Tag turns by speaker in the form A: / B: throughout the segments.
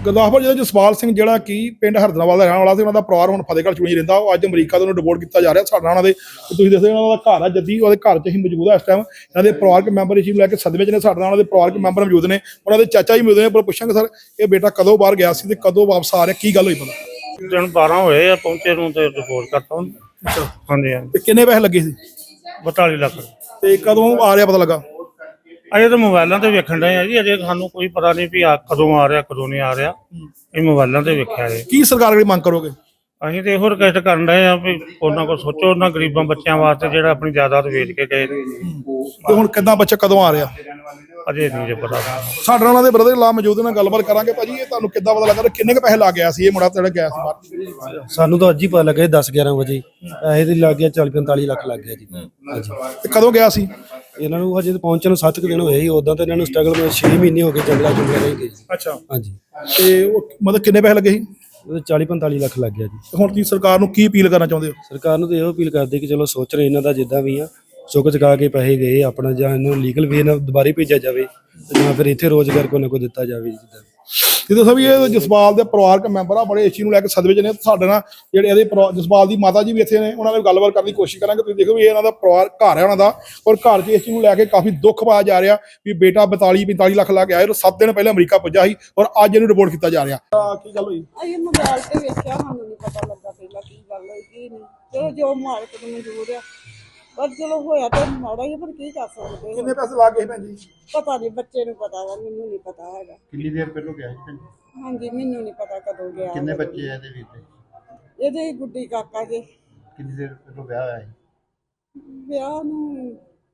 A: ਗੁਰਦਾਸਪੁਰ ਜ਼ਿਲ੍ਹੇ ਜਸਪਾਲ ਸਿੰਘ ਜਿਹੜਾ ਕਿ ਪਿੰਡ ਹਰਦਨਾਵਾਲ ਦਾ ਰਹਿਣ ਵਾਲਾ ਸੀ, ਉਹਨਾਂ ਦਾ ਪਰਿਵਾਰ ਹੁਣ ਫਤਿਹਗੜ੍ਹ ਚੂਣੀ ਰਹਿੰਦਾ। ਉਹ ਅੱਜ ਅਮਰੀਕਾ ਤੋਂ ਡਿਪੋਰਟ ਕੀਤਾ ਜਾ ਰਿਹਾ। ਸਾਡੇ ਨਾਲ ਉਹਨਾਂ ਦੇ ਤੁਸੀਂ ਦੱਸਦੇ ਉਹਨਾਂ ਦਾ ਘਰ ਆ ਜੱਦੀ, ਉਹਦੇ ਘਰ 'ਚ ਅਸੀਂ ਮੌਜੂਦ ਆ। ਇਸ ਟਾਈਮ ਇਹਨਾਂ ਦੇ ਪਰਿਵਾਰਕ ਮੈਂਬਰ ਇਸ ਨੂੰ ਲੈ ਕੇ ਸਦਮੇ 'ਚ ਨੇ। ਸਾਡੇ ਨਾਲ ਉਹਨਾਂ ਦੇ ਪਰਿਵਾਰਕ ਮੈਂਬਰ ਮੌਜੂਦ ਨੇ, ਉਹਨਾਂ ਦੇ ਚਾਚਾ ਜੀ ਮੌਜੂਦ ਨੇ। ਪਰ ਪੁੱਛਾਂਗੇ ਸਰ, ਇਹ ਬੇਟਾ ਕਦੋਂ ਬਾਹਰ ਗਿਆ ਸੀ ਤੇ ਕਦੋਂ ਵਾਪਸ ਆ ਰਿਹਾ, ਕੀ ਗੱਲ ਹੋਈ ਪਤਾ?
B: ਦਿਨ 12 ਹੋਏ ਆ ਪਹੁੰਚੇ ਨੂੰ ਤੇ ਰਿਪੋਰਟ ਕਰਤਾ ਹੁਣ। ਹਾਂਜੀ ਹਾਂਜੀ।
A: ਤੇ ਕਿੰਨੇ ਪੈਸੇ ਲੱਗੇ ਸੀ
B: 42 ਲੱਖ।
A: ਤੇ ਕਦੋਂ ਆ ਰਿਹਾ ਪਤਾ ਲੱਗਾ?
B: ਅਜੇ ਤਾਂ ਮੋਬਾਈਲਾਂ ਤੇ ਵੇਖਣ ਡਏ ਆ ਜੀ, ਅਜੇ ਸਾਨੂੰ ਕੋਈ ਪਤਾ ਨਹੀਂ ਵੀ ਆ ਕਦੋਂ ਆ ਰਿਹਾ ਕਦੋਂ ਨਹੀਂ ਆ ਰਿਹਾ। ਇਹ ਮੋਬਾਈਲਾਂ ਤੇ ਵੇਖਿਆ ਜੀ।
A: ਕੀ ਸਰਕਾਰ ਕੋਲ ਮੰਗ ਕਰੋਗੇ?
B: ਅਸੀਂ ਤੇ ਇਹੋ ਰਿਕਵੈਸਟ ਕਰਨ ਡਏ ਆ ਵੀ ਉਹਨਾਂ ਕੋਲ ਸੋਚੋ, ਉਹਨਾਂ ਗਰੀਬਾਂ ਬੱਚਿਆਂ ਵਾਸਤੇ ਜਿਹੜਾ ਆਪਣੀ ਜਾਇਦਾਦ ਵੇਚ ਕੇ ਗਏ।
A: ਤੇ ਹੁਣ ਕਿੱਦਾਂ ਬੱਚਾ ਕਦੋਂ ਆ ਰਿਹਾ?
B: ਅਜੇ ਨਹੀਂ ਜੇ ਪਤਾ।
A: ਸਾਡੇ ਨਾਲ ਉਹਨਾਂ ਦੇ ਬ੍ਰਦਰ ਲਾ ਮੌਜੂਦ ਨਾਲ ਗੱਲਬਾਤ ਕਰਾਂਗੇ। ਭਾਜੀ, ਇਹ ਤੁਹਾਨੂੰ ਕਿੱਦਾਂ ਪਤਾ ਲੱਗਾ? ਕਿੰਨੇ ਕੁ ਪੈਸੇ ਲਾ ਗਿਆ ਸੀ ਇਹ ਮੁੰਡਾ ਜਿਹੜਾ ਗਿਆ ਸੀ ਬਾਹਰ?
C: ਸਾਨੂੰ ਤਾਂ ਅੱਜ ਹੀ ਪਤਾ ਲੱਗਾ 10-11 ਵਜੇ। ਪੈਸੇ ਤੇ ਲੱਗ ਗਿਆ 40-45 ਲੱਖ ਲੱਗ ਗਿਆ ਜੀ। ਹਾਂਜੀ।
A: ਤੇ ਕਦੋਂ ਗਿਆ ਸੀ?
C: ਇਹਨਾਂ ਨੂੰ ਹਜੇ ਪਹੁੰਚਣ ਨੂੰ 7 ਦਿਨ ਹੋਏ ਸੀ। ਉਦਾਂ ਤਾਂ ਇਹਨਾਂ ਨੂੰ ਸਟਰਗਲ ਵਿੱਚ 6 ਮਹੀਨੇ ਹੋ ਗਏ ਜੰਗਲਾਂ ਚ ਰਹੇ ਗਏ ਜੀ।
A: ਅੱਛਾ।
C: ਹਾਂਜੀ।
A: ਤੇ ਉਹ ਮਤਲਬ ਕਿੰਨੇ ਪੈਸੇ ਲੱਗੇ ਸੀ?
C: ਉਹਦੇ 40-45 ਲੱਖ ਲੱਗ ਗਿਆ ਜੀ।
A: ਹੁਣ ਤੁਸੀਂ ਸਰਕਾਰ ਨੂੰ ਕੀ ਅਪੀਲ ਕਰਨਾ ਚਾਹੁੰਦੇ ਹੋ?
C: ਸਰਕਾਰ ਨੂੰ ਤਾਂ ਇਹੋ ਅਪੀਲ ਕਰਦੇ ਕਿ ਚਲੋ ਸੋਚ ਰਹੇ ਇਹਨਾਂ ਦਾ ਜਿੱਦਾਂ ਵੀ ਆ ਚੁੱਕ ਚੁਕਾ ਕੇ ਪੈਸੇ ਗਏ ਆਪਣਾ, ਜਾਂ ਇਹਨਾਂ ਨੂੰ ਲੀਗਲ ਵੇ ਨਾਲ ਦੁਬਾਰਾ ਭੇਜਿਆ ਜਾਵੇ ਜਾਂ ਫਿਰ ਇੱਥੇ ਰੋਜ਼ਗਾਰ ਕੋਈ ਨਾ ਕੋਈ ਦਿੱਤਾ ਜਾਵੇ ਜਿੱਦਾਂ।
A: ਇਹ ਦੱਸੋ ਵੀ ਇਹ ਜਸਪਾਲ ਦੇ ਪਰਿਵਾਰਕ ਮੈਂਬਰ ਆ, ਬੜੇ ਇਸ ਚੀਜ਼ ਨੂੰ ਲੈ ਕੇ ਸਦਮੇ 'ਚ ਨੇ। ਸਾਡੇ ਨਾਲ ਜਿਹੜੇ ਇਹਦੇ ਜਸਪਾਲ ਦੀ ਮਾਤਾ ਜੀ ਵੀ ਇੱਥੇ ਨੇ, ਉਹਨਾਂ ਨਾਲ ਗੱਲਬਾਤ ਕਰਨ ਦੀ ਕੋਸ਼ਿਸ਼ ਕਰਾਂਗੇ। ਤੁਸੀਂ ਦੇਖੋ ਵੀ ਇਹ ਇਹਨਾਂ ਦਾ ਪਰਿਵਾਰ ਘਰ ਹੈ ਉਹਨਾਂ ਦਾ, ਔਰ ਘਰ 'ਚ ਇਸ ਚੀਜ਼ ਨੂੰ ਲੈ ਕੇ ਕਾਫੀ ਦੁੱਖ ਪਾਇਆ ਜਾ ਰਿਹਾ ਵੀ ਬੇਟਾ 42-45 ਲੱਖ ਲਾ ਕੇ ਆਏ, 7 ਦਿਨ ਪਹਿਲਾਂ ਅਮਰੀਕਾ ਪੁੱਜਾ ਸੀ ਔਰ ਅੱਜ ਇਹਨੂੰ ਰਿਪੋਰਟ ਕੀਤਾ ਜਾ ਰਿਹਾ। ਕੀ ਗੱਲ ਹੋਈ?
D: ਅਸੀਂ ਮੋਬਾਈਲ ਤੇ ਵੇਖਿਆ, ਸਾਨੂੰ ਨਹੀਂ ਪਤਾ ਲੱਗਾ ਪਹਿਲਾਂ ਕੀ ਗੱਲ ਹੋਈ ਕੀ ਨਹੀਂ। ਚਲੋ ਜੋ ਮਾਲਕ ਨੂੰ ਮਨਜ਼ੂਰ ਆ, ਪਰ ਚਲੋ ਹੋਇਆ ਤਾਂ ਮਾੜਾ ਹੀ, ਪਰ ਕੀ ਕਰ ਸਕਦੇ।
A: ਕਿੰਨੇ ਪੈਸੇ ਲਾ ਗਏ ਭੈਣ ਜੀ?
D: ਪਤਾ ਨਹੀਂ, ਬੱਚੇ ਨੂੰ ਪਤਾ ਵਾ, ਮੈਨੂੰ ਨਹੀਂ ਪਤਾ ਹੈਗਾ।
E: ਕਿੰਨੀ ਦੇਰ ਪਹਿਲੋਂ ਗਿਆ ਸੀ ਭੈਣ ਜੀ?
D: ਹਾਂਜੀ, ਮੈਨੂੰ ਨਹੀਂ ਪਤਾ ਕਦੋਂ ਗਿਆ।
E: ਕਿੰਨੇ ਬੱਚੇ ਆ ਇਹਦੇ ਵੀਰ ਦੇ?
D: ਇਹਦੇ ਹੀ ਗੁੱਡੀ ਕਾਕਾ ਜੀ।
E: ਕਿੰਨੀ ਦੇਰ ਪਹਿਲੋਂ ਵਿਆਹ ਹੋਇਆ ਸੀ?
D: ਵਿਆਹ ਨੂੰ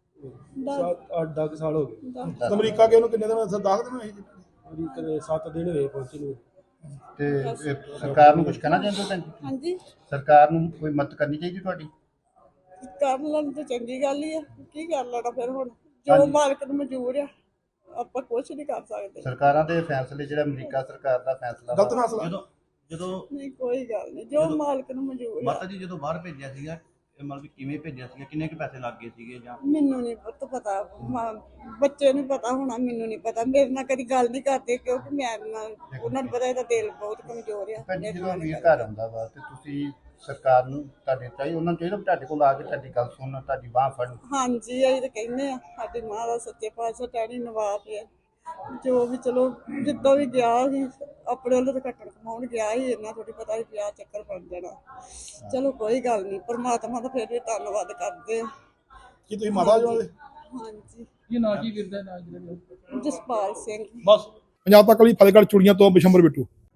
C: 8-10 ਸਾਲ ਹੋ ਗਏ।
A: ਅਮਰੀਕਾ ਗਏ ਉਹਨੂੰ ਕਿੰਨੇ ਦਿਨ? 10 ਦਿਨ ਹੋਏ ਜੀ।
C: 7 ਦਿਨ ਹੋਏ ਪਹੁੰਚੇ ਨੂੰ।
E: ਤੇ ਇਹ ਸਰਕਾਰ ਨੂੰ ਕੁਝ ਕਹਿਣਾ ਚਾਹੁੰਦੇ ਹੋ ਭੈਣ ਜੀ?
D: ਹਾਂਜੀ,
E: ਸਰਕਾਰ ਨੂੰ ਕੋਈ ਮਦਦ ਕਰਨੀ ਚਾਹੀਦੀ ਤੁਹਾਡੀ?
D: ਕਰ ਲੈਣ ਤਾਂ ਚੰਗੀ ਗੱਲ ਹੀ ਆ। ਕੀ ਕਰ ਲੈਣਾ ਫਿਰ? ਹੁਣ ਜੋ ਮਾਲਕ ਨੂੰ ਮਨਜ਼ੂਰ ਆ, ਆਪਾਂ ਕੁਛ ਨਹੀਂ ਕਰ ਸਕਦੇ।
E: ਸਰਕਾਰਾਂ ਦੇ ਫੈਸਲੇ, ਜਿਹੜਾ ਅਮਰੀਕਾ ਸਰਕਾਰ ਦਾ ਫੈਸਲਾ
A: ਗਲਤ ਫੈਸਲਾ।
F: ਜਦੋਂ
D: ਨਹੀਂ, ਕੋਈ ਗੱਲ ਨਹੀਂ, ਜੋ ਮਾਲਕ ਨੂੰ ਮਨਜ਼ੂਰ ਆ।
F: ਮਾਤਾ ਜੀ ਜਦੋਂ ਬਾਹਰ ਭੇਜਿਆ ਸੀਗਾ, ਇਹ ਮਤਲਬ ਕਿਵੇਂ ਭੇਜਿਆ ਸੀਗਾ, ਕਿੰਨੇ ਕੁ ਪੈਸੇ ਲੱਗ ਗਏ ਸੀਗੇ ਜਾਂ?
D: ਮੈਨੂੰ ਨਹੀਂ ਪਤਾ, ਬੱਚੇ ਨੂੰ ਪਤਾ ਹੋਣਾ, ਮੈਨੂੰ ਨਹੀਂ ਪਤਾ। ਮੇਰੇ ਨਾਲ ਕਦੀ ਗੱਲ ਨਹੀਂ ਕਰਦੇ ਕਿਉਂਕਿ ਮੈਂ ਉਹਨਾਂ ਨੂੰ ਪਤਾ ਇਹਦਾ ਦਿਲ ਬਹੁਤ ਕਮਜ਼ੋਰ ਆ।
E: ਭੈਣ ਜੀ, ਜਦੋਂ ਵੀਰ ਘਰ ਆਉਂਦਾ ਵਾ ਤੇ ਤੁਸੀਂ ਸਰਕਾਰ ਨੂੰ ਤੁਹਾਡੇ ਚਾਹੀਦਾ, ਉਹਨਾਂ ਨੂੰ ਚਾਹੀਦਾ ਤੁਹਾਡੇ ਕੋਲ ਆ ਕੇ ਤੁਹਾਡੀ ਗੱਲ ਸੁਣਨ, ਤੁਹਾਡੀ ਬਾਂਹ ਫੜਨ।
D: ਹਾਂਜੀ, ਅਸੀਂ ਤਾਂ ਕਹਿੰਦੇ ਆ ਸਾਡੀ ਮਾਂ ਦਾ ਸੱਚੇ ਪਾਤਸ਼ਾਹ ਟਹਿਣੀ ਨਵਾਬ ਹੈ। ਜੋ ਵੀ ਚਲੋ ਜਿੱਦਾਂ ਵੀ ਗਿਆ ਸੀ ਆਪਣੇ ਵੱਲੋਂ ਤਾਂ ਕੱਟਣ ਕਮਾਉਣ ਗਿਆ ਸੀ, ਇੰਨਾ ਥੋੜੀ ਪਤਾ ਸੀ ਵਿਆਹ ਚੱਕਰ ਬਣ ਜਾਣਾ। ਚਲੋ ਕੋਈ ਗੱਲ ਨਹੀਂ, ਪਰਮਾਤਮਾ ਦਾ ਫਿਰ ਵੀ ਧੰਨਵਾਦ ਕਰਦੇ ਆ।
A: ਕੀ ਤੁਸੀਂ ਮਾਤਾ ਜੀ ਉਹਦੇ?
D: ਹਾਂਜੀ।
A: ਕੀ ਨਾਂ ਕੀ ਵੀਰ ਦਾ?
D: ਜਸਪਾਲ ਸਿੰਘ।
A: ਬਸ। ਪੰਜਾਬ ਤੱਕ ਲਈ ਫਤਿਹਗੜ੍ਹ ਚੂੜੀਆਂ ਤੋਂ ਬਿਸ਼ੰਬਰ ਬਿੱਟੂ।